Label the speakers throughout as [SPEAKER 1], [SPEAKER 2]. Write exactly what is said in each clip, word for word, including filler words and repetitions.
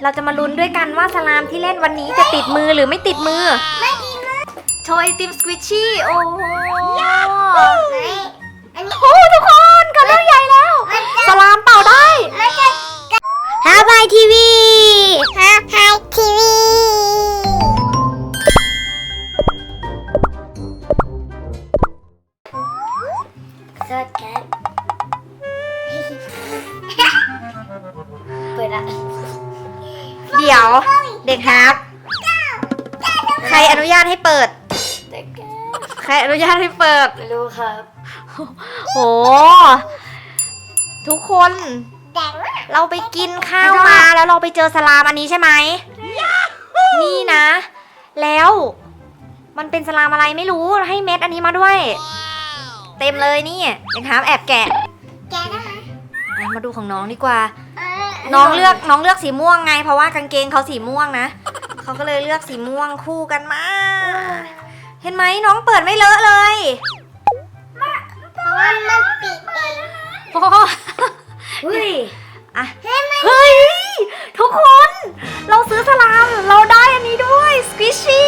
[SPEAKER 1] เราจะมาลุ้นด้วยกันว่าสลามที่เล่นวันนี้จะติดมือหรือไม่ติดมือไม่ติดมือโชว์ไอติมสควิชชี่โอ้โหโอ้ทุกคนกำลังใหญ่แล้วสลามเป่าได้ฮาบายทีวีฮาบายทีวีสดกันเปิดละเดี๋ยวเด็กฮับใครอนุญาตให้เปิดใครอนุญาตให้เปิดไม่รู้ครับโหทุกคนเราไปกินข้าวมาแล้วเราไปเจอสลามอันนี้ใช่ไหมนี่นะแล้วมันเป็นสลามอะไรไม่รู้ให้เม็ดอันนี้มาด้วยเต็มเลยนี่เด็กฮับแอบแกะแกะได้ไหมมาดูของน้องดีกว่าน้องเลือกน้องเลือกสีม่วงไงเพราะว่ากางเกงเขาสีม่วงนะเขาก็เลยเลือกสีม่วงคู่กันมาเห็นไหมน้องเปิดไม่เลอะเลยเพราะว่ามันปิดเองโอ้เฮ้ยอ่ะเฮ้ยทุกคนเราซื้อสลามเราได้อันนี้ด้วยสควิชชี่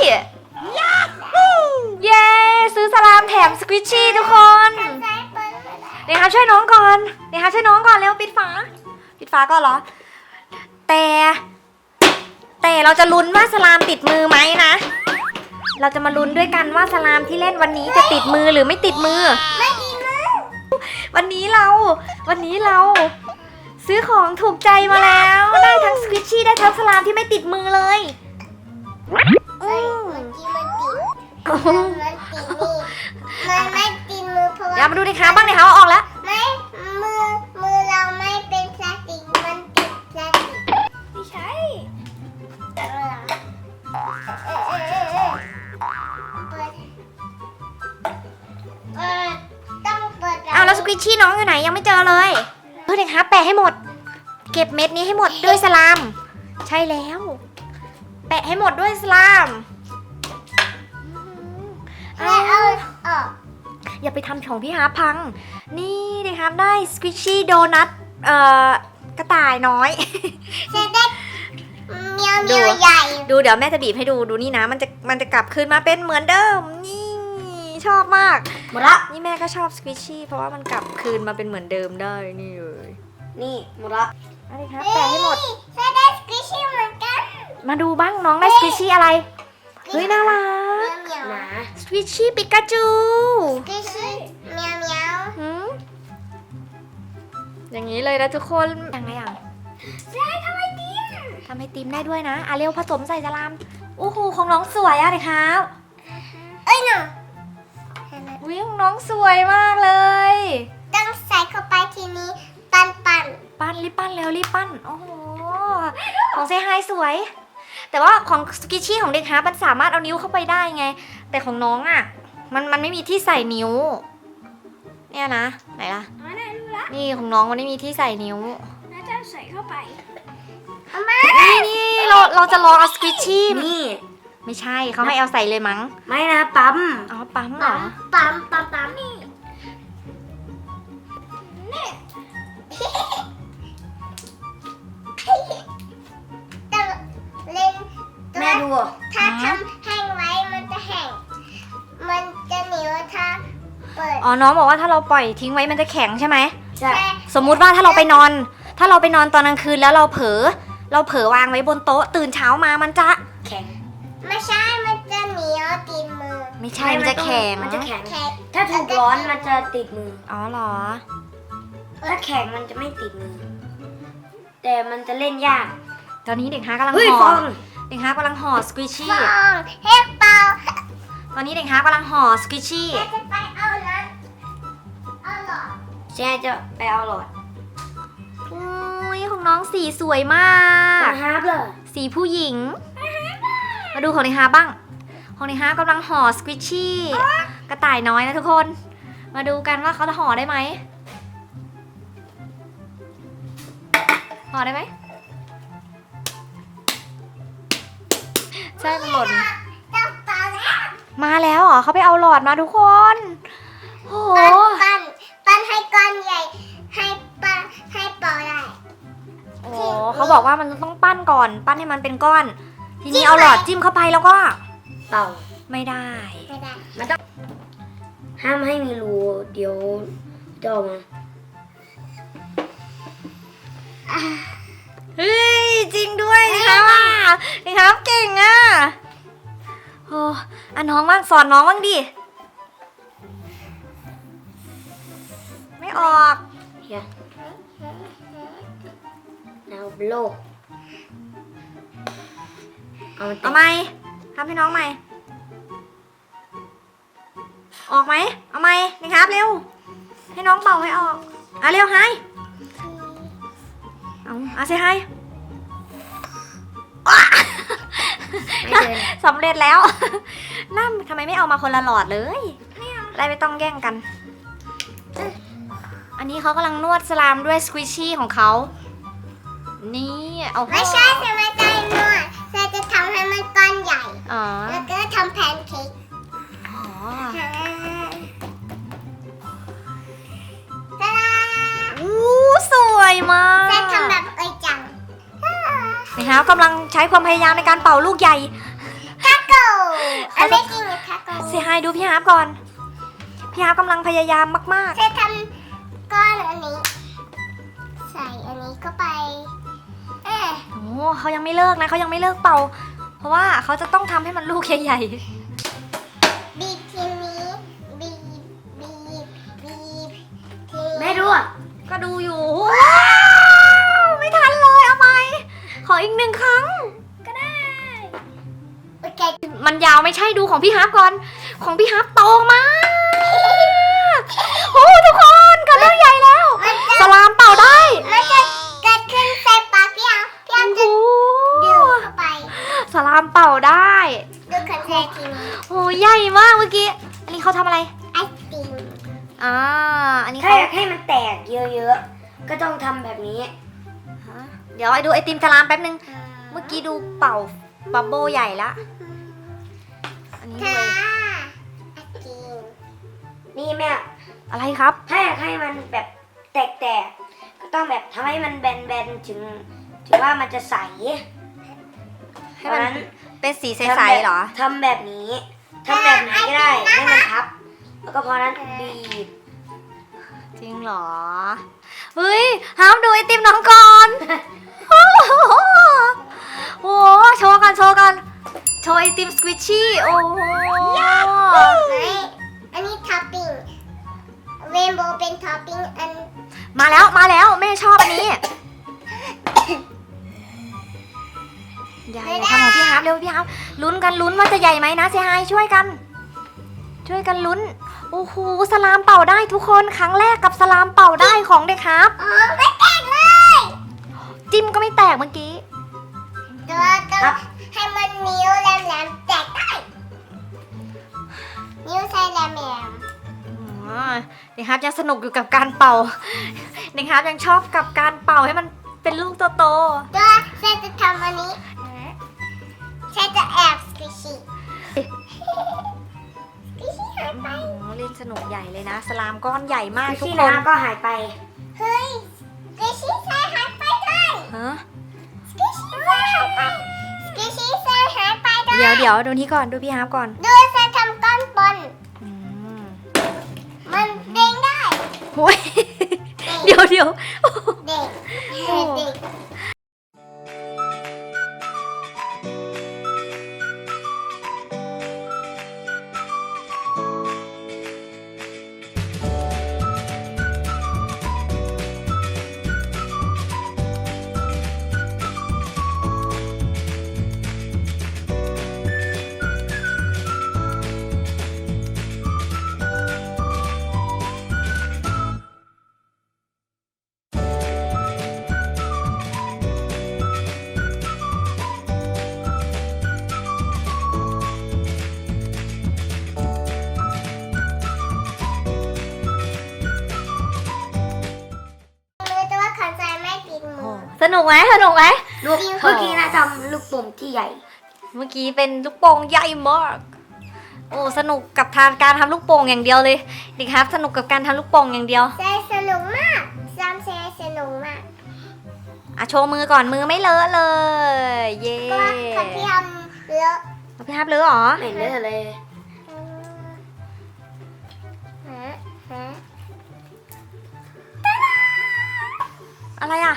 [SPEAKER 1] เย้ซื้อสลามแถมสควิชชี่ทุกคนเดี๋ยวครับช่วยน้องก่อนเดี๋ยวครับช่วยน้องก่อนเร็วปิดฝาปิดฝาก่อนเหรอแต่แต่เราจะลุ้นว่าสลามติดมือไหมนะเราจะมาลุ้นด้วยกันว่าสลามที่เล่นวันนี้จะติดมือหรือไม่ติดมือไม่ติดมือวันนี้เราวันนี้เราซื้อของถูกใจมาแล้วได้ทั้งสควิชชี่ได้ทั้งสลามที่ไม่ติดมือเลยอืมมันติดมันติดมันไม่ติดมือเพราะว่าอย่ามาดูดิคะบ้างดิคะว่าออกแล้วไม่มือมือเราไม่เป็นพลาสติกมันติดพลาสติกไม่ใช่อ้าวแล้วสควิชชี่น้องอยู่ไหนยังไม่เจอเลยเพื่อนคะแปะให้หมดเก็บเม็ดนี้ให้หมดด้วยสลามใช่แล้วแปะให้หมดด้วยสลามเอาออกอย่าไปทำของพี่ฮาพังนี่นะครับได้สควิชชี่โดนัทเอ่อกระต่ายน้อยจะได้เมียวเมียวใหญ่ดูเดี๋ยวแม่จะบีบให้ดูดูนี่นะมันจะมันจะกลับคืนมาเป็นเหมือนเดิมนี่ชอบมากหมดละนี่แม่ก็ชอบสควิชชี่เพราะว่ามันกลับคืนมาเป็นเหมือนเดิมได้นี่เลยนี่หมดละอะไรครับแปะให้หมดจะได้สควิชชี่เหมือนกันมาดูบ้างน้องได้สควิชชี่อะไรเฮ้ยน่ารักสควิชชี่ปิกาจูสควิชชี่เมียวเมียวอย่างนี้เลยนะทุกคนยังไงอ่ะใช่ทำไอติมทำไอติมได้ด้วยนะอ่ะเร็วผสมใส่สลามโอ้โหของน้องสวยอ่ะเลยครับเอ้ยหนูวิของน้องสวยมากเลยต้องใส่เข้าไปทีนี้ปั้นปั้นปั้นรีบปั้นเร็วรีบปั้นโอ้โหของเซฮายสวยแต่ว่าของสกิชชี่ของเด็กฮาร์มันสามารถเอานิ้วเข้าไปได้ไงแต่ของน้องอ่ะมันมันไม่มีที่ใส่นิ้วเนี่ยนะไหนล่ะนี่ของน้องมันไม่มีที่ใส่นิ้วน่าจะใส่เข้าไปนี่นี่เราเราจะลองเอาสกิชชี่นี่ไม่ใช่เขาให้เอาใส่เลยมั้งไม่นะปั๊มอ๋อปั๊มเหรอปั๊มปั๊มปั๊มนี่แม่ดูถ้าทำแห้งไว้มันจะแห้งมันจะเหนียวถ้าเปิดอ๋อน้องบอกว่าถ้าเราปล่อยทิ้งไว้มันจะแข็งใช่ไหมใช่สมมุติว่าถ้าเราไปนอนถ้าเราไปนอนตอนกลางคืนแล้วเราเผลอเราเผลอวางไว้บนโต๊ะตื่นเช้ามามันจะแข็งไม่ใช่มันจะเหนียวติดมือไม่ใช่มันจะแข็งมันจะแข็งถ้าถูกร้อนมันจะติดมืออ๋อเหรอถ้าแข็งมันจะไม่ติดมือแต่มันจะเล่นยากตอนนี้เด็กฮากำลังห่อเด็กฮากำลังห่อสควิชชี่เฮ้เปล่าตอนนี้เด็กฮากำลังห่อสควิชชี่จะไปเอานั้นเอาหลอดแช่จะไปเอาหลอดอุ้ยของน้องสีสวยมากฮาร์ปเลยสีผู้หญิงมาดูของเด็กฮาบ้างของเด็กฮากำลังห่อสควิชชี่กระต่ายน้อยนะทุกคนมาดูกันว่าเขาจะห่อได้ไหมห่อได้ไหมใช่มันหล่นมาแล้วเหรอเขาไปเอาหลอดมาทุกคนโอ้โหปั้นปั้นให้ก้อนใหญ่ให้ปั้นให้เป่าได้โอ้เขาบอกว่ามันต้องปั้นก่อนปั้นให้มันเป็นก้อน ทีนี้เอาหลอดจิ้มเข้าไปแล้วก็
[SPEAKER 2] เป่า
[SPEAKER 1] ไม่ได้
[SPEAKER 3] ไม่ได้
[SPEAKER 2] มันต้องห้ามให้มีรูเดี๋ยวจะออกมา
[SPEAKER 1] เฮ้ยจริงด้วยนะคะว่านี่ครับเก่งอ่ะโอ้อันน้องบ้างสอนน้องบ้างดิไม่ออก
[SPEAKER 2] เฮียแล้วโลกเอามัน
[SPEAKER 1] เอาไหมทำให้น้องใหม่ออกไหมเอาไหมนี่ครับเร็วให้น้องเป่าให้ออกอ่ะเร็วให้เอาเอาสิให้
[SPEAKER 2] ไม่เดิน
[SPEAKER 1] สำเร็จแล้วนั่นทำไมไม่เอามาคนละหลอดเลยอะไรไม่ต้องแย่งกัน อันนี้เขากำลังนวดสลามด้วยสควิชชี่ของเขานี่เอา
[SPEAKER 3] ไม่ใช่จะไม่ได้นวดเราจะทำให้มันก้อนใหญ่
[SPEAKER 1] อ๋อ
[SPEAKER 3] แล้วก็ทำแพนเค้ก
[SPEAKER 1] อ๋อ
[SPEAKER 3] ตาดา
[SPEAKER 1] อู้สวยมาก
[SPEAKER 3] จะทำแบบเอ้ยจัง
[SPEAKER 1] นี่ครับกำลังใช้ความพยายามในการเป่าลูกใหญ่
[SPEAKER 3] ทาโก้อันไม่จริงทาโก้
[SPEAKER 1] เซฮายดูพี่ฮาร์ปก่อน พี่ฮาร์ปกำลังพยายามมาก
[SPEAKER 3] จะทำก้อนอันนี้ ใส่อันนี้เข้าไปเอ๊ะ
[SPEAKER 1] ๆโอ้เขายังไม่เลิกนะเขายังไม่เลิกเป่า เพราะว่าเขาจะต้องทำให้มันลูกใหญ่
[SPEAKER 3] บีบทีนี้บีบบีบบีบที
[SPEAKER 2] แม่ดูอ่ะ
[SPEAKER 1] ๆก็ดูอยู่ว้าวไม่ทันเลยเอาไหมขออีกหนึ่งครั้ง
[SPEAKER 3] ก็ได้โอเค
[SPEAKER 1] มันยาวไม่ใช่ดูของพี่ฮาร์ปก่อน ของพี่ฮาร์ปโตมากโอ้ทุกคนกระเรื่องใหญ่แล้ว
[SPEAKER 3] มันจะ
[SPEAKER 1] สลามเป่าได้
[SPEAKER 3] มันจะเกิดขึ้นใส่ปากพี่อ่ะพี่อ่ะจะ
[SPEAKER 1] โอ้
[SPEAKER 3] ดูดเข้าไป
[SPEAKER 1] สลามเป่าได้
[SPEAKER 3] ดูคอนเสิร์ตทีนี้
[SPEAKER 1] โอ้ใหญ่มากเมื่อกี้ อันนี้เขาทำอะไร
[SPEAKER 3] ไอติม
[SPEAKER 1] อ่า อันนี้
[SPEAKER 2] ถ้า
[SPEAKER 1] เขา
[SPEAKER 2] อยากให้มันแตกเยอะๆก็ต้องทำแบบนี้
[SPEAKER 1] ฮะเดี๋ยวไอ้ดูไอติมสลามแป๊บนึง เมื่อกี้ดูเป่าบับเบิ้ลใหญ่ละ อันนี้
[SPEAKER 3] ค่ะ
[SPEAKER 1] เลย
[SPEAKER 3] ไอติม
[SPEAKER 2] นี่แม่
[SPEAKER 1] อะไรครับ
[SPEAKER 2] ถ้าอยากให้มันแบบแตกๆก็ต้องแบบทำให้มันแบนๆถึงถึงว่ามันจะใส
[SPEAKER 1] ให้มัน
[SPEAKER 2] เพราะฉะนั้น
[SPEAKER 1] เป็นสีใ
[SPEAKER 2] ทำ
[SPEAKER 1] ส
[SPEAKER 2] แบบ
[SPEAKER 1] ๆเหรอ
[SPEAKER 2] ทำแบบนี้ทำแบบนี้ก็ได้ให้มันทับ แล้วก็พอนั้นบีบ
[SPEAKER 1] จริงเหรอ เฮ้ยห้ามดูไอติมน้องก่อน โอ้โหโอ้โหโชว์กันโชว์กัน โชว์ไอติมสควิชชี่ โอ้โห
[SPEAKER 3] ไม่อันนี้ท็อปปิ้งเรนโบว์เป็นท็อปปิ้งอัน
[SPEAKER 1] มาแล้วมาแล้วแม่ชอบอันนี้ อย่าอย่าทำของพี่ฮาร์ปเร็วพี่ฮาร์ปลุ้นกันลุ้นว่าจะใหญ่ไหมนะเซฮายช่วยกัน ช่วยกันลุ้น โอ้โหสลามเป่าได้ทุกคนครั้งแรกกับสลามเป่าได้ของเด็กครับ
[SPEAKER 3] อ๋อไม่แตกเลย
[SPEAKER 1] จิ้มก็ไม่แตกเมื่อกี้
[SPEAKER 3] ตัวต้องให้มันนิ้วแหลมๆแตกได้นิ้วใช้แหลม
[SPEAKER 1] อ๋อเด็กครับยังสนุกอยู่กับการเป่า เด็กครับยังชอบกับการเป่าให้มันเป็นลูกโต
[SPEAKER 3] ๆตัวเซจะทำอันนี้เซจะแอบสกิชี่สกิชี่หาย
[SPEAKER 1] ๆ
[SPEAKER 3] ไป
[SPEAKER 1] โอ้โหเล่นสนุกใหญ่เลยนะ สลามก้อนใหญ่มากทุก
[SPEAKER 2] ที่
[SPEAKER 1] คน
[SPEAKER 2] น้ำก็หายไป
[SPEAKER 3] เฮ้ยสกิชี่ใส่หายไปด้วย
[SPEAKER 1] ฮะ
[SPEAKER 3] สกิชี่ใส่หายไปสกิชี่ใส่หายไปด้วย
[SPEAKER 1] เดี๋ยวเดี๋ยวดูนี่ก่อนดูพี่ฮาร์ปก่อน
[SPEAKER 3] ดูเซทำก้อนบน
[SPEAKER 1] อืม
[SPEAKER 3] มันเด้งได้
[SPEAKER 1] โอ้ย เดี๋ยวเดี๋ยว
[SPEAKER 3] เด็กเด็ก มือแต่ว่าขันใจไม่ติดมือ
[SPEAKER 1] สนุกไหมสนุกไหม
[SPEAKER 2] ลูกเมื่อกี้นะทำลูกโป่งที่ใหญ่
[SPEAKER 1] เมื่อกี้เป็นลูกโป่งใหญ่มาก โอ้สนุกกับทางการทำลูกโป่งอย่างเดียวเลยเด็กครับสนุกกับการทำลูกโป่งอย่างเดียว
[SPEAKER 3] ใจสนุกมากซ้ำเซสนุกมาก
[SPEAKER 1] อ่ะโชว์มือก่อนมือไม่เลอะเลย เย้
[SPEAKER 3] ก็คนที่ทำเลอะ
[SPEAKER 1] พี่ฮับเลอะเหรอ
[SPEAKER 2] ไม่เลอะเลย
[SPEAKER 3] ฮะฮะ
[SPEAKER 1] อะไรอ่ะ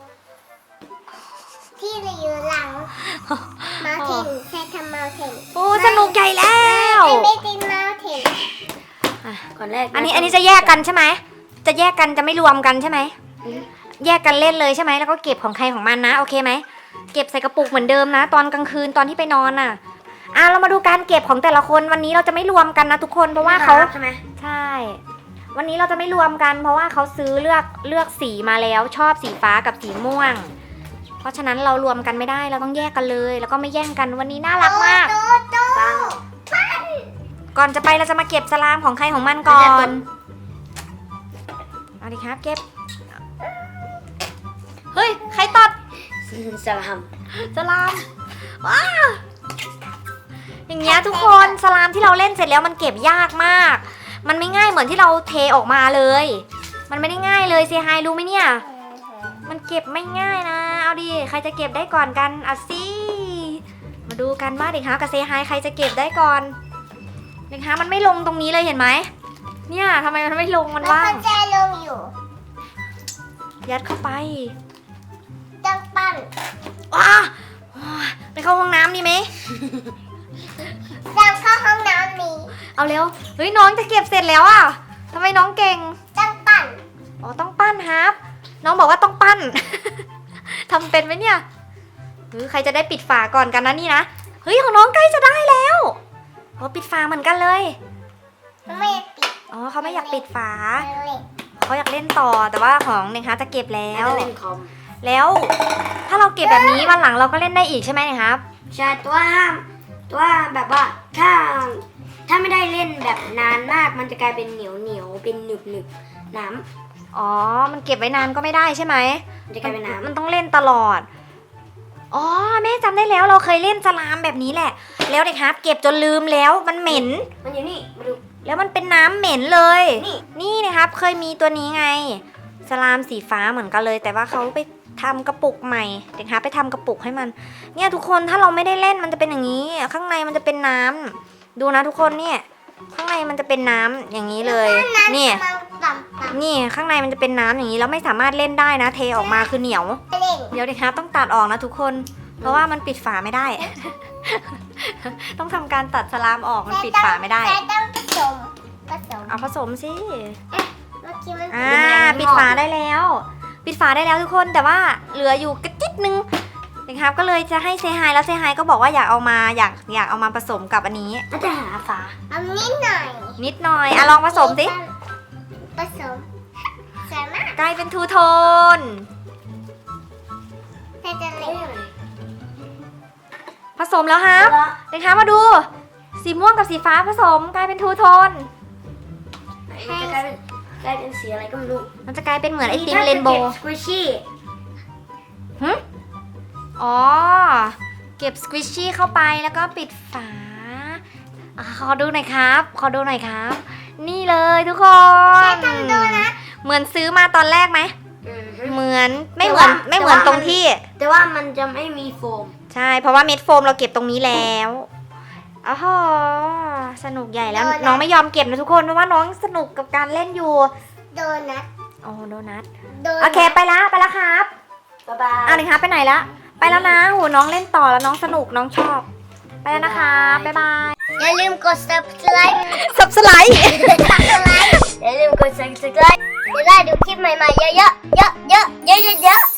[SPEAKER 3] ที่เราอยู่หลังมาเทนใช้ทำมาเทน
[SPEAKER 1] โอ้สนุกใหญ่แล้ว
[SPEAKER 3] ไม่ติดมาเทน
[SPEAKER 2] ก่อนแรก
[SPEAKER 1] อันนี้อันนี้จะแยกกันใช่ไหมจะแยกกันจะไม่รวมกันใช่ไหมแยกกันเล่นเลยใช่ไหมแล้วก็เก็บของใครของมันนะโอเคไหมเก็บใส่กระปุกเหมือนเดิมนะ ตอนกลางคืนตอนที่ไปนอนน่ะอ่ะเรามาดูการเก็บของแต่ละคนวันนี้เราจะไม่รวมกันนะทุกคนเพราะว่าเขา
[SPEAKER 2] ใช่ไหม
[SPEAKER 1] ใช่ วันนี้เราจะไม่รวมกัน เพราะว่าเขาซื้อเลือกเลือกสีมาแล้วชอบสีฟ้ากับสีม่วง เพราะฉะนั้นเรารวมกันไม่ได้เราต้องแยกกันเลย แล้วก็ไม่แย่งกันวันนี้น่ารักมาก
[SPEAKER 3] โตโต
[SPEAKER 2] ฟัง
[SPEAKER 1] ก่อนจะไปเราจะมาเก็บสลามของใครของมันก่อ
[SPEAKER 2] ไม่ใช่ต้
[SPEAKER 1] น
[SPEAKER 2] น
[SPEAKER 1] เอาดิครับเก็บ เฮ้ย ใครตัด
[SPEAKER 2] สลาม
[SPEAKER 1] สลามว้าอย่างเงี้ยทุกคนสลามที่เราเล่นเสร็จแล้วมันเก็บยากมาก มันไม่ง่ายเหมือนที่เราเทออกมาเลย มันไม่ได้ง่ายเลยเซฮายรู้ไหมเนี่ย มันเก็บไม่ง่ายนะ เอาดิใครจะเก็บได้ก่อนกันเอาสิมาดูกันว่าเด็กฮะกับเซฮายใครจะเก็บได้ก่อนเด็กฮะมันไม่ลงตรงนี้เลยเห็นไหมเนี่ยทำไมมันไม่ลงมัน
[SPEAKER 3] แล้ว
[SPEAKER 1] ว่าง
[SPEAKER 3] ก็แจลงอยู่
[SPEAKER 1] ยัดเข้าไป
[SPEAKER 3] ต้องปั้น
[SPEAKER 1] ว้าไปเข้าห้องน้ำดีไหม
[SPEAKER 3] ต้องเข้าห้องน้ำนี้
[SPEAKER 1] เอาเร็วเฮ้ยน้องจะเก็บเสร็จแล้วอ่ะทำไมน้องเก่ง
[SPEAKER 3] ต้องปั้น
[SPEAKER 1] อ๋อต้องปั้นครับน้องบอกว่าต้องปั้น ทำเป็นไหมเนี่ยเฮ้ยใครจะได้ปิดฝาก่อนกันนะนี่นะเฮ้ยของน้องใกล้จะได้แล้วอ๋อปิดฝาเหมือนกันเลย
[SPEAKER 3] ไม่ปิด
[SPEAKER 1] อ๋อเขาไม่อยากปิดฝา
[SPEAKER 3] เลย
[SPEAKER 1] เขาอยากเล่นต่อแต่ว่าของเนยคะจะเก็บแล้
[SPEAKER 2] แล้ว วเล่นคอม
[SPEAKER 1] แล้ว ถ้าเราเก็บแบบนี้วันหลังเราก็เล่นได้อีกใช่ไหมเนยครับ
[SPEAKER 2] ใช่ตัวห้ามตัวแบบว่าถ้าถ้าไม่ได้เล่นแบบนานมากมันจะกลายเป็นเหนียวเหนียวเป็นหนึบหนึบน้
[SPEAKER 1] อ๋อมันเก็บไว้นานก็ไม่ได้ใช่ไหม
[SPEAKER 2] ำมันจะกลายเป็นน้ำ
[SPEAKER 1] มันต้องเล่นตลอด อ๋อแม่จำได้แล้วเราเคยเล่นสลามแบบนี้แหละ แล้วเด็กครับเก็บจนลืมแล้วมันเหม็น
[SPEAKER 2] มันอยู่นี่มาดู
[SPEAKER 1] แล้วมันเป็นน้ำเหม็นเลย
[SPEAKER 2] นี่
[SPEAKER 1] นี่นะครับเคยมีตัวนี้ไง สลามสีฟ้าเหมือนกันเลย แต่ว่าเขาไปทำกระปุกใหม่ เด็กครับไปทำกระปุกให้มัน เนี่ยทุกคนถ้าเราไม่ได้เล่นมันจะเป็นอย่างนี้ ข้างในมันจะเป็นน้ำดูนะทุกคนเนี่ย ข้างในมันจะเป็นน้ำอย่างนี้เลย นี่
[SPEAKER 3] มันต่ำต่
[SPEAKER 1] นี่ข้างในมันจะเป็นน้ำอย่างนี้แล้วไม่สามารถเล่นได้นะ เทออกมาคือเหนียว
[SPEAKER 3] ำเล่น
[SPEAKER 1] เดี๋ยวเด็กครับต้องตัดออกนะทุกคน เพราะว่ามันปิดฝาไม่ได้ ต้องทำการตัดสลามออกมันปิดฝาไม่ได้
[SPEAKER 3] ใช้ต้องผสมผสม
[SPEAKER 1] เอาผสมสิ
[SPEAKER 3] เมื่อกี้มัน
[SPEAKER 1] อ่าปิดฝาได้แล้ว ปิดฝาได้แล้วทุกคนแต่ว่าเหลืออยู่กระจิตนึงเด็กครับก็เลยจะให้เซฮายแล้วเซฮายก็บอกว่าอยากเอามาอยากอยากเอามาผสมกับอันนี้
[SPEAKER 2] ก็จะหาฝา
[SPEAKER 3] เอานิดหน่อย
[SPEAKER 1] นิดหน่อยอ่ะลองผสมสิ
[SPEAKER 3] ผสมสวยมาก
[SPEAKER 1] กลายเป็นทูโทน
[SPEAKER 3] แต่จะเล็ก
[SPEAKER 1] ผสมแล้วครับเด็กครับมาดู สีม่วงกับสีฟ้าผสมกลายเป็นทูโทน
[SPEAKER 2] มันจะกลายเป็นกลายเป็นสีอะไรก็ไม่รู้
[SPEAKER 1] มันจะกลายเป็นเหมือนไอติมเรนโบว์
[SPEAKER 2] สควิชชี่
[SPEAKER 1] หึอ๋อ เก็บสควิชชี่เข้าไปแล้วก็ปิดฝาอ่ะขอดูหน่อยครับ ขอดูหน่อยครับ นี่เลยทุกคน
[SPEAKER 3] แค่ทำดูนะ
[SPEAKER 1] เหมือนซื้อมาตอนแรกไหม เหมือนไม่เหมือนไม่เหมือนตรงที่
[SPEAKER 2] แต่ว่ามันจะไม่มีโฟม
[SPEAKER 1] ใช่ เพราะว่าเม็ดโฟมเราเก็บตรงนี้แล้วอ๋อสนุกใหญ่แล้ว น้องไม่ยอมเก็บนะทุกคนเพราะว่าน้องสนุกกับการเล่นอยู่
[SPEAKER 3] โดนัท
[SPEAKER 1] โอ้โดนัท
[SPEAKER 3] โดนัท
[SPEAKER 1] โอเคไปละไปละครับ
[SPEAKER 2] บ๊ายบาย
[SPEAKER 1] อ่ะเลยครับไปไหนละไปแล้วนะโหน้องเล่นต่อแล้วน้องสนุกน้องชอบ ไปแล้วนะคะบ๊ายบาย
[SPEAKER 3] อย่าลืมกด subscribe
[SPEAKER 1] สับสไลด์
[SPEAKER 3] subscribe อย่าลืมกด subscribe จะได้ดูคลิปใหม่ๆเยอะๆเยอะๆเยอะๆเยอะๆ